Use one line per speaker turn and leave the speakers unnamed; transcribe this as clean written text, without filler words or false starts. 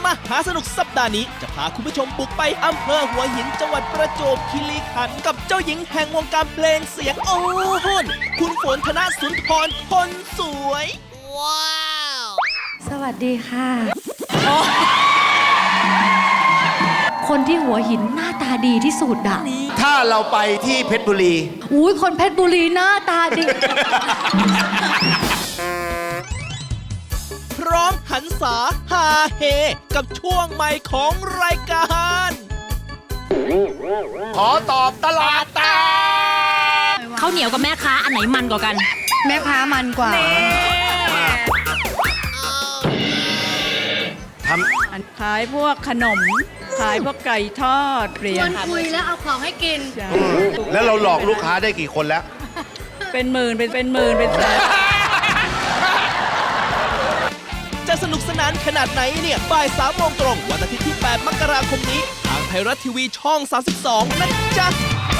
มหาสนุกสัปดาห์นี้จะพาคุณผู้ชมบุกไปอำเภอหัวหินจังหวัดประจวบคีรีขันธ์กับเจ้าหญิงแห่งวงการเพลงเสียงโอ้โหคุณฝนธนสุนทรคนสวย ว้าว
สวัสดีค่ะ คนที่หัวหินหน้าตาดีที่สุดอะ
ถ้าเราไปที่เพชรบุรี
อุ้ยคนเพชรบุรีหน้าตาดี
พร้อมหันษาฮาเฮกับช่วงใหม่ของรายการ
ขอตอบตลาดแตก
ข้าวเหนียวกับแม่ค้าอันไหนมันกว่ากัน
แม่ค้ามันกว่า
ขายพวกขนม ขายพวกไก่ทอดเหรียญ
คุยแล้วเอาของให้กิน
แล้วเราหลอกลูกค้าได้กี่คนแล้ว
เป็นหมื่นเป็นหมื่นเป็นแสน
จะสนุกสนานขนาดไหนเนี่ยบ่าย3 โมงตรงวันอาทิตย์ที่ 8 มกราคมนี้ ทางไทยรัฐทีวีช่อง 32 นะจ๊ะ